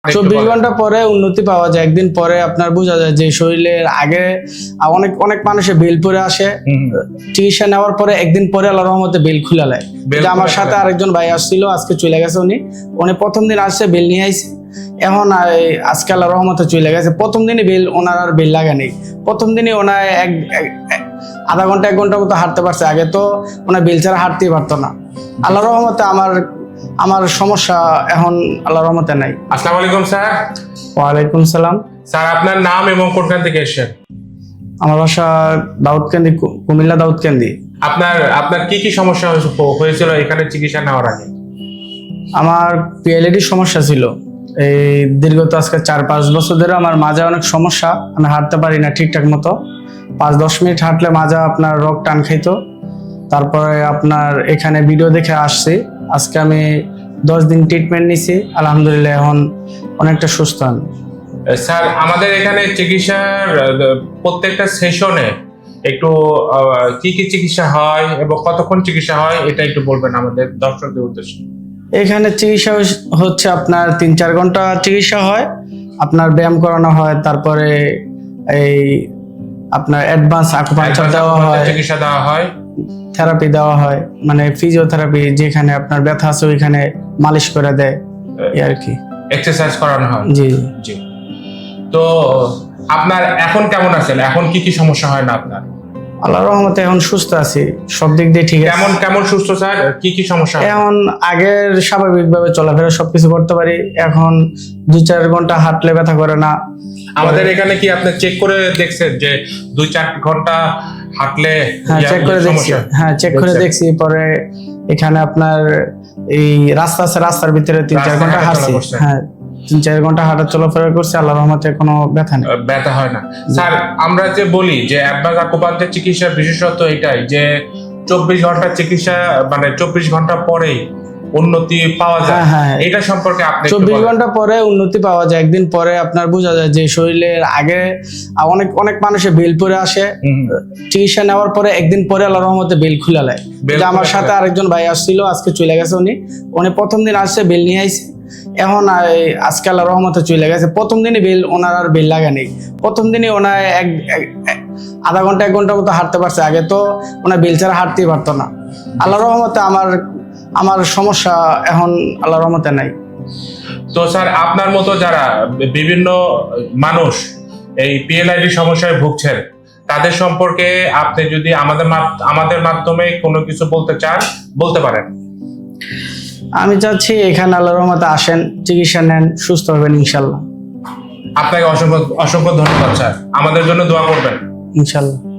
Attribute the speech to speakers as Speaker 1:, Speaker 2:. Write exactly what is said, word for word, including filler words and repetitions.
Speaker 1: চব্বিশ ঘন্টা পরে উন্নতি পাওয়া যায়, একদিন পরে আপনার বোঝা যায় যে শরীরের আগে অনেক অনেক মানুষের বেল পরে আসে, চিকিৎসা নেওয়ার পরে একদিন পরে আল্লাহর রহমতে বেল খুলে নেয়। আমার সাথে আরেকজন ভাই আসছিল, আজকে চলে গেছে। উনি উনি প্রথম দিন আসছে, বেল নিয়ে আইছে, এখন আজকে আল্লাহর রহমতে চলে গেছে। প্রথম দিনই বেল ওনার আর বেল লাগা নেই। প্রথম দিনই ওনার এক আধা ঘন্টা এক ঘন্টার মতো হাঁটতে পারছে। আগে তো ওনার বেল ছাড়া হাঁটতেই পারতো না। আল্লাহর রহমতে আমার আমার সমস্যা এখন আল্লাহর রহমতে নাই।
Speaker 2: আসসালামু আলাইকুম স্যার।
Speaker 1: ওয়ালাইকুম সালাম।
Speaker 2: স্যার আপনার নাম এবং কোনখান থেকে এসেছেন?
Speaker 1: আমার বাসা দাউদকান্দি, কুমিল্লা দাউদকান্দি।
Speaker 2: আপনার আপনার কি কি সমস্যা হয়েছিল এখানে চিকিৎসা নেওয়ার আগে?
Speaker 1: আমার পিএলএডির সমস্যা ছিল। এই দীর্ঘত আজকে চার পাঁচ বছর ধরে আমার মাজা অনেক সমস্যা, আমি হাঁটতে পারি না ঠিকঠাক মতো। পাঁচ দশ মিনিট হাঁটলে মাজা আপনার রোগ টান খাইতো। তারপরে আপনার এখানে ভিডিও দেখে আসছি, আজকে আমি দশ দিন ট্রিটমেন্ট নিছি, আলহামদুলিল্লাহ এখন অনেকটা সুস্থ আমি।
Speaker 2: স্যার আমাদের এখানে চিকিৎসার প্রত্যেকটা সেশনে একটু কি কি চিকিৎসা হয় এবং কতক্ষণ চিকিৎসা হয় এটা একটু বলবেন আমাদের দর্শকদের উদ্দেশ্যে।
Speaker 1: এখানে চিকিৎসা হচ্ছে আপনার তিন চার ঘন্টা চিকিৎসা হয়, আপনার ব্যায়াম করানো হয়, তারপরে এই আপনার অ্যাডভান্স আকুপাঙ্কচার দেওয়া হয়,
Speaker 2: চিকিৎসা দেওয়া হয়,
Speaker 1: থেরাপি দেওয়া হয়, মানে ফিজিওথেরাপি, যেখানে আপনার ব্যথা আছে ওইখানে মালিশ করে দেয় এই আর কি,
Speaker 2: এক্সারসাইজ করানো হয়।
Speaker 1: জি
Speaker 2: জি। তো আপনার এখন কেমন আছেন? এখন কি কি সমস্যা হয় না আপনার?
Speaker 1: আল্লাহর রহমতে এখন সুস্থ আছি, সব দিক দিয়ে ঠিক আছে।
Speaker 2: কেমন কেমন সুস্থ স্যার? কি কি সমস্যা?
Speaker 1: এখন আগের স্বাভাবিকভাবে চলাফেরা সবকিছু করতে পারি, এখন দুই চার ঘন্টা হাঁটলে ব্যথা করে না।
Speaker 2: আমাদের এখানে কি আপনি চেক করে দেখছেন যে দুই চার ঘন্টা হাঁটলে?
Speaker 1: হ্যাঁ চেক করে দেখছি, হ্যাঁ চেক করে দেখছি। পরে এখানে আপনার এই রাস্তা আছে, রাস্তার ভিতরে তিন চার ঘন্টা হাঁটছি, হ্যাঁ তিন চার ঘন্টা হাঁটা চলাফেরা করছে, আল্লাহর রহমতে কোনো ব্যথা নেই,
Speaker 2: ব্যথা হয় না। স্যার আমরা যে বলি যে অ্যাডভান্স আকুপাঙ্কচার চিকিৎসার বিশেষত্ব এটাই যে চব্বিশ ঘন্টা চিকিৎসা, মানে চব্বিশ ঘন্টা পরেই উন্নতি পাওয়া যায়। এটা সম্পর্কে আপনি
Speaker 1: চব্বিশ ঘন্টা পরে উন্নতি পাওয়া যায়, একদিন পরে আপনার বোঝা যায় যে শরীরের আগে অনেক অনেক মানুষের বেল পরে আসে, চিকিৎসা নেওয়ার পরে একদিন পরে আল্লাহর রহমতে বেল খুলে নেয়। আমার সাথে আরেকজন ভাই আসছিল, আজকে চলে গেছে। উনি উনি প্রথম দিন আসছে, বেল নিয়ে আইছে, এখন আজকে আল্লাহর রহমতে চলে গেছে। প্রথম দিনই বেল ওনার আর বেল লাগা নেই। প্রথম দিনই ওনার এক আধা ঘন্টা এক ঘন্টার মতো হাঁটতে পারছে। আগে তো ওনার বেল ছাড়া হাঁটতেই পারতো না। আল্লাহর রহমতে আমার আমার সমস্যা এখন আল্লাহর রহমতে নাই।
Speaker 2: তো স্যার আপনার মতো যারা বিভিন্ন মানুষ এই পিএলআইডি সমস্যায় ভুগছেন, তাদের সম্পর্কে আপনি যদি আমাদের আমাদের মাধ্যমে কোনো কিছু বলতে চান বলতে পারেন।
Speaker 1: আমি চাচ্ছি এখানে আল্লাহর রহমতে আসেন, চিকিৎসা নেন, সুস্থ হবেন ইনশাল্লাহ।
Speaker 2: আপনাকে অসংখ্য অসংখ্য ধন্যবাদ স্যার, আমাদের জন্য দোয়া করবেন
Speaker 1: ইনশাল্লাহ।